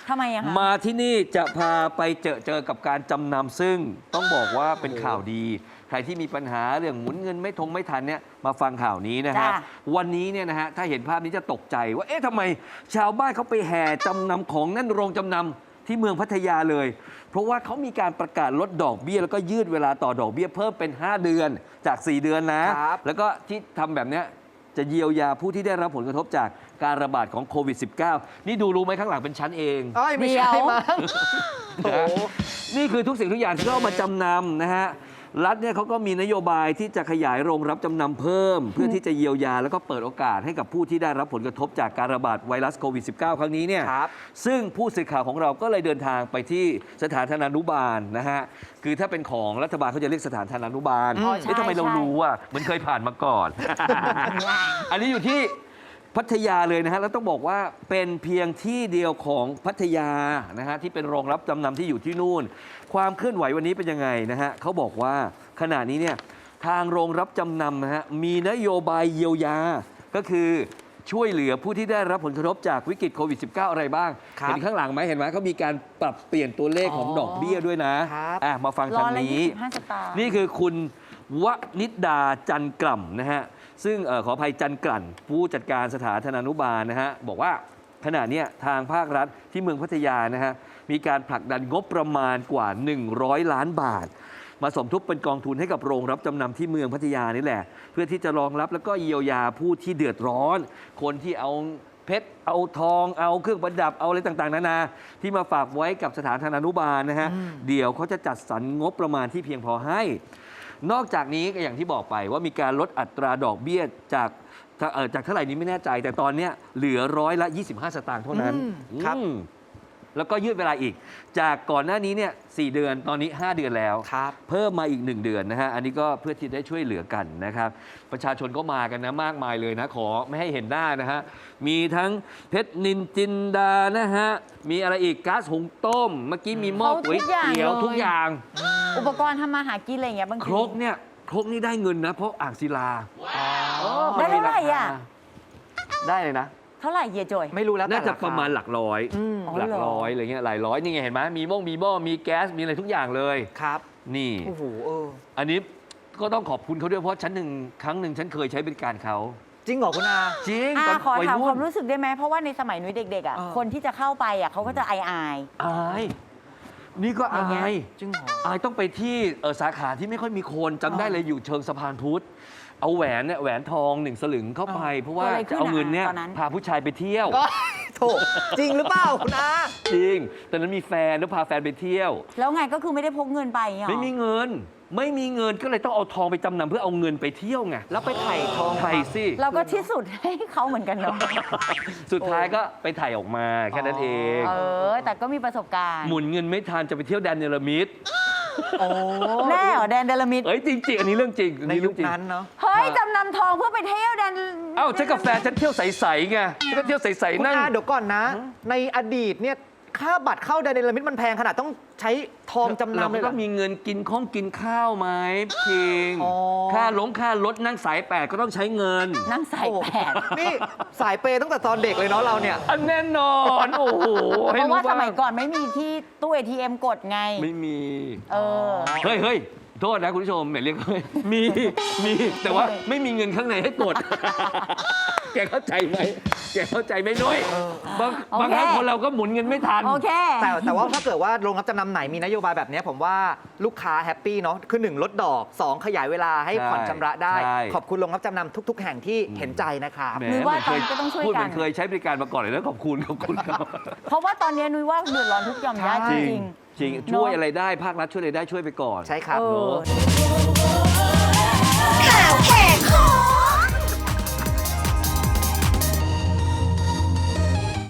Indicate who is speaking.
Speaker 1: ทำไมอะคะ
Speaker 2: มาที่นี่จะพาไปเจอกับการจำนำซึ่งต้องบอกว่าเป็นข่าวดี ใครที่มีปัญหาเรื่องหมุนเงินไม่ทันเนี่ยมาฟังข่าวนี้นะฮะวันนี้เนี่ยนะฮะถ้าเห็นภาพนี้จะตกใจว่าเอ๊ะทำไมชาวบ้านเขาไปแห่จำนำของนั่นโรงจำนำที่เมืองพัทยาเลย เพราะว่าเขามีการประกาศลดดอกเบี้ยแล้วก็ยืดเวลาต่อดอกเบี้ยเพิ่มเป็น5 เดือนจาก4 เดือนนะแล้วก็ที่ทำแบบเนี้ยจะเยียวยาผู้ที่ได้รับผลกระทบจากการระบาดของโควิด -19 นี่ดูรู้ไหมข้างหลังเป็นชั้นเอง
Speaker 3: ไม่ใช่มั้ง
Speaker 2: นี่คือทุกสิ่งทุกอย่างที่เขาเอามาจำนำนะฮะรัฐเนี่ยเขาก็มีนโยบายที่จะขยายโรงรับจำนำเพิ่ม เพื่อที่จะเยียวยาแล้วก็เปิดโอกาสให้กับผู้ที่ได้รับผลกระทบจากการระบาดไวรัสโควิด -19 ครั้งนี้เนี่ยซึ่งผู้สื่อข่าวของเราก็เลยเดินทางไปที่สถานธนานุบาลนะฮะคือถ้าเป็นของรัฐบาลเขาจะเรียกสถานธนานุบาลทำไมเรารู้อ่ะเหมือนเคยผ่านมาก่อน อันนี้อยู่ที่พัทยาเลยนะฮะแล้วต้องบอกว่าเป็นเพียงที่เดียวของพัทยานะฮะที่เป็นโรงรับจำนำที่อยู่ที่นู่นความเคลื่อนไหววันนี้เป็นยังไงนะฮะเขาบอกว่าขณะนี้เนี่ยทางโรงรับจำนำนะฮะมีนโยบายเยียวยาก็คือช่วยเหลือผู้ที่ได้รับผลกระทบจากวิกฤตโควิด -19 อะไรบ้างเห็นข้างหลังไหมเห็นไหมเขามีการปรับเปลี่ยนตัวเลขของดอกเบี้ยด้วยนะมาฟังทางนี้นี่คือคุณวนิดดาจันกล่ำนะฮะซึ่งขออภัยจันกลั่นผู้จัดการสถานธนานุบาลนะฮะบอกว่าขณะนี้ทางภาครัฐที่เมืองพัทยานะฮะมีการผลักดันงบประมาณกว่า100 ล้านบาทมาสมทบเป็นกองทุนให้กับโรงรับจำนำที่เมืองพัทยานี่แหละเพื่อที่จะรองรับแล้วก็เยียวยาผู้ที่เดือดร้อนคนที่เอาเพชรเอาทองเอาเครื่องประดับเอาอะไรต่างๆนานาที่มาฝากไว้กับสถานธนานุบาลนะฮะเดี๋ยวเขาจะจัดสรรงบประมาณที่เพียงพอให้นอกจากนี้ก็อย่างที่บอกไปว่ามีการลดอัตราดอกเบี้ยจากเท่าไหร่นี้ไม่แน่ใจแต่ตอนนี้เหลือ125 สตางค์เท่านั้นครับแล้วก็ยืดเวลาอีกจากก่อนหน้านี้เนี่ย4 เดือนตอนนี้5 เดือนแล้วเพิ่มมาอีก1 เดือนนะฮะอันนี้ก็เพื่อที่ได้ช่วยเหลือกันนะครับประชาชนก็มากันนะมากมายเลยนะขอไม่ให้เห็นหน้านะฮะมีทั้งเพชรนินจินดานะฮะมีอะไรอีกก๊าซหุงต้มเมื่อกี้มีหม้อก๋วยเตี๋ยวทุกอย่าง
Speaker 1: อุปกรณ์ทำมาหากินอะไรอย่างเงี้ยบางที
Speaker 2: ครกนี่ได้เงินนะเพราะอ่างศิลา
Speaker 1: ได้เท่าไหร่อ่ะ
Speaker 2: ได้เลยนะ
Speaker 1: เท่าไหร่เฮียจอย
Speaker 3: ไม่รู้แล้ว
Speaker 2: น่าจะประมาณหลักร้อยอะไรเงี้ยหลายร้อยนี่ไงเห็นไหมมีหม้อมีแก๊สมีอะไรทุกอย่างเลย
Speaker 3: ครับ
Speaker 2: นี่
Speaker 3: โอ้โห
Speaker 2: อันนี้ก็ต้องขอบคุณเขาด้วยเพราะครั้งหนึ่งฉันเคยใช้บริการเขา
Speaker 3: จริงเหรอคุณอา
Speaker 2: จริง
Speaker 1: ขอถามความรู้สึกได้ไหมเพราะว่าในสมัยนุ้ยเด็กๆอ่ะคนที่จะเข้าไปอ่ะเขาก็จะอาย
Speaker 2: นี่ก็อาย
Speaker 3: จริงเหรอ
Speaker 2: อายต้องไปที่สาขาที่ไม่ค่อยมีคนจำได้เลยอยู่เชิงสะพานพุทธเอาแหวนทอง1 สลึงเข้าไปเพราะว่าจะเอาเงินเนี่ยพาผู้ชายไปเที่ยว
Speaker 3: โถจริงหรือเปล่าคุณอา
Speaker 2: จริงตอนนั้นมีแฟนแล้วพาแฟนไปเที่ยว
Speaker 1: แล้วไงก็คือไม่ได้พกเงินไป
Speaker 2: ไม่มีเงินก็เลยต้องเอาทองไปจำนำเพื่อเอาเงินไปเที่ยวไง
Speaker 3: แล้วไปถ่ายทอง
Speaker 2: สิ
Speaker 1: เราก็ที่สุดให้เขาเหมือนกันเนาะ
Speaker 2: สุดท้ายก็ไปถ่ายออกมาแค่นั้นเอง
Speaker 1: แต่ก็มีประสบการณ์
Speaker 2: หมุนเงินไม่ทันจะไปเที่ยวแดนเนลมิด
Speaker 1: แน่เหรอแดนเดลมิด
Speaker 2: จริงๆอันนี้เรื่องจริง
Speaker 3: ในยุคนั้นเนาะ
Speaker 1: เฮ้ยจำนำทองเพื่อไปเที่ยวแดน
Speaker 2: ฉันกับแฟนฉันเที่ยวใสๆไงฉันก็เที่ยวใสๆนั่ง
Speaker 3: เดี๋ยวก่อนนะในอดีตเนี่ยค่าบัตรเข้าแดนเนลมิดมันแพงขนาดต้องใช้ทองจำนำเลย
Speaker 2: เราต้องมีเงินกินข้าวไหมพิงค่ารถนั่งสาย8ก็ต้องใช้เงิน
Speaker 1: นั่งสาย8
Speaker 3: นี่สายเปย์ตั้งแต่ตอนเด็กเลยเนาะเราเนี่ย
Speaker 2: แน่นอนโอ้โห
Speaker 1: เพราะว่าสมัยก่อนไม่มีที่ตู้ ATM กดไง
Speaker 2: ไม่มีเฮ้ยโทษนะคุณผู้ชมเรียกมีแต่ว่าไม่มีเงินข้างในให้กดแกเข้าใจไหมนุ้ยบางครั้งคนเราก็หมุนเงินไม่ทัน
Speaker 3: แต่ว่าถ้าเกิดว่าโรงรับจำนำไหนมีนโยบายแบบนี้ผมว่าลูกค้าแฮปปี้เนาะคือ1 ลดดอก2 ขยายเวลาให้ผ่อนชำระได้ขอบคุณโรงรับจำนำทุกๆแห่งที่เห็นใจนะครับ
Speaker 1: นุ้ยว่าตอนนี้ก็ต้องช่วยกัน
Speaker 2: พูดเหมือนเคยใช้บริการมาก่อนเลยนะขอบคุณครับ
Speaker 1: เพราะว่าตอนนี้นุ้ยว่าเดือดร้อนทุกหย่อมย่าจริง
Speaker 2: ช่วยอะไรได้ภาครัฐช่วยอะไรได้ช่วยไปก่อน
Speaker 3: ใช่ครับ